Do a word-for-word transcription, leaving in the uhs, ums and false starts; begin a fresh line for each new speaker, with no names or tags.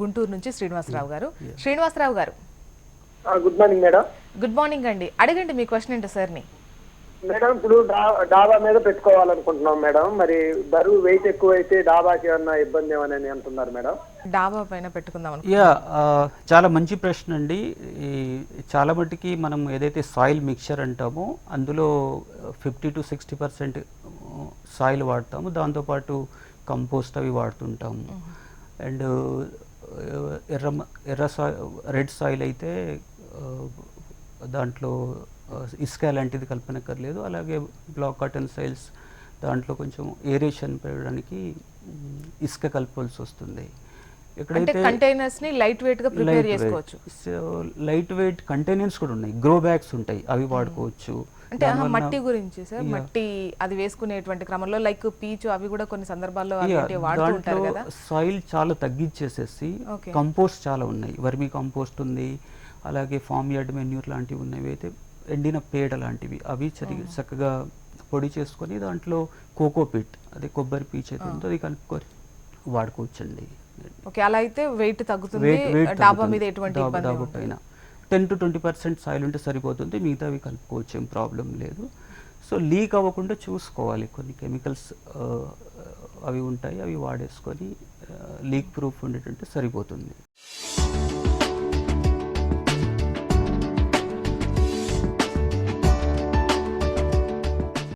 గుంటూరు నుంచి Srinivasarao garu. Srinivasarao garu,
good morning madam.
Good morning అండి. అడగండి మీ క్వశ్చన్ ఏంటో సార్ని.
మేడం, ఇప్పుడు డాబా మీద పెట్టుకోవాలనుకుంటున్నాం మేడం. మరి బరువు వెయిట్ ఎక్కువ అయితే డాబాకి ఏమన్నా ఇబ్బంది ఏమని అంటున్నారు మేడం.
డాబా పైన పెట్టుకుందాం.
యా చాలా మంచి ప్రశ్న అండి. ఈ చాలా మటుకి మనం ఏదైతే సాయిల్ మిక్చర్ అంటామో అందులో fifty to sixty percent soil వాడతాము, దాంతోపాటు కంపోస్ట్ అవి వాడుతుంటాము. అండ్ ఎర్ర ఎర్ర సాయిల్ రెడ్ సాయిల్ అయితే దాంట్లో ఇసుక లాంటిది కల్పనక్కర్లేదు. అలాగే బ్లాక్ కాటన్ సాయిల్స్ దాంట్లో కొంచెం ఏరేషన్ పెరగడానికి ఇసుక కలపాల్సి వస్తుంది.
ఎక్కడైతే కంటైనర్స్ ని లైట్ వెయిట్ గా ప్రిపేర్ చేసుకోవచ్చు.
సో లైట్ వెయిట్ కంటైనర్స్ కూడా ఉన్నాయి, గ్రో బ్యాగ్స్ ఉంటాయి, అవి వాడుకోవచ్చు.
అంటే మట్టి గురించి సార్, మట్టి అది వేసుకునేటువంటి క్రమంలో లైక్ పీచు అవి కూడా కొన్ని సందర్భాల్లో వాడుతూ ఉంటారు కదా.
సాయిల్ చాలా తగ్గించేసేసి కంపోస్ట్ చాలా ఉన్నాయి, వర్మీ కంపోస్ట్ ఉంది, అలాగే ఫామ్ యార్డ్ మెన్యూర్ లాంటివి ఉన్నవి, అయితే ఎండిన పేడ లాంటివి అవి చరి చక్కగా పొడి చేసుకొని దాంట్లో కోకోపిట్ అదే కొబ్బరి పీచు అయితే ఉందో అది కలుపుకొని వాడుకోవచ్చండి.
ఓకే, అలా అయితే వెయిట్ తగ్గుతుంది. డాబా మీద ఎటువంటి ఇబ్బంది
డాబా పైన ten to twenty percent soil ఉంటే సరిపోతుంది, మిగతావి కలుపుకోవచ్చు, ఏం ప్రాబ్లం లేదు. సో లీక్ అవ్వకుండా చూసుకోవాలి. కొన్ని కెమికల్స్ అవి ఉంటాయి, అవి వాడేసుకొని లీక్ ప్రూఫ్ ఉండేటంటే సరిపోతుంది.